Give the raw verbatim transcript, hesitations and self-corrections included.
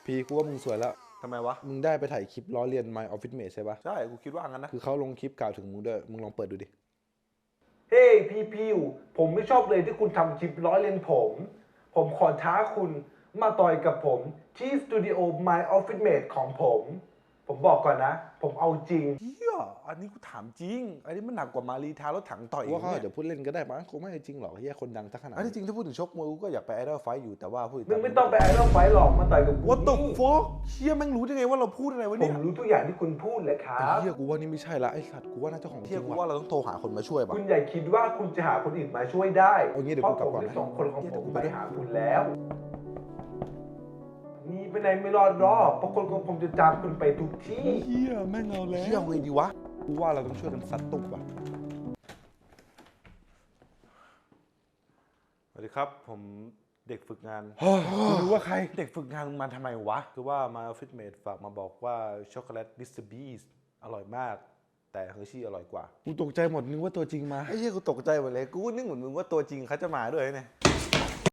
พีกูว่ามึงสวยแล้วทำไมวะมึงได้ไปถ่ายคลิปล้อเลียน My Office Mate ใช่ปะใช่กูคิดว่างั้นนะคือเขาลงคลิปกล่าวถึงมึงด้วยมึงลองเปิดดูดิเฮ้พี่พิวผมไม่ชอบเลยที่คุณทำคลิปล้อเลียนผม ผมขอท้าคุณมาต่อยกับผมที่สตูดิโอ My Office Mate ของผม ผมบอกก่อนนะ ผมเอาจริงเฮียอันนี้กูถามจริงอันนี้มันหนักกว่ามารีทารถถังต่อยกูว่าเขาอาจเนี่ยจะพูดเล่นก็ได้มั้งคงไม่จริงหรอกเฮียคนดังสักขนาดอันที่จริงถ้าพูดถึงชกมวยกูก็อยากไปไอดอลไฟท์อยู่แต่ว่าพูดมึงไม่ต้องไปไอดอลไฟท์หรอกมาต่อยกับกู What the นี่ fuck เฮียแม่งรู้ได้ไงว่าเราพูดอะไรวะผเนี่ยมรู้ทุกอย่างที่คุณพูดเลยครัไอ้บเฮียกูว่านี่ไม่ใช่ละไอ้สัตว์กูว่าน่าจะของจเฮีริยงกูว่ะว่าเราต้องโทรหาคนมาช่วยป่ะคุณอย่าคิดว่าคุณจะหาคนอื่นมาช่วยได้เอางี้เดี๋ยวเพกูราะกลับผมก่อนได้นะส่งคนของเดี๋ยวผมกูไปไปด้วยหาคุณแล้วนี่ไปไหนไม่รอดหรอกเพราะคนของผมจะตามคุณไปทุกที่เฮียแม่งเอาแล้วเฮียเอาไงดีวะกูว่าเราต้องช่วยกันซัดตุกว่ะสวัสดีครับผมเด็กฝึกงานกูรู้ว่าใครเด็กฝึกงานมึงมาทำไมวะคือว่า My Office Mate ฝากมาบอกว่าช็อกโกแลต มิสเตอร์ Beast อร่อยมาก แต่เฮอร์ชี่อร่อยกว่ากูตกใจหมดนึกว่าตัวจริงมาไอ้เหี้ยกูตกใจหมดเลยกูก็นึกเหมือนมึงว่าตัวจริงเขาจะมาด้วยเนี่ย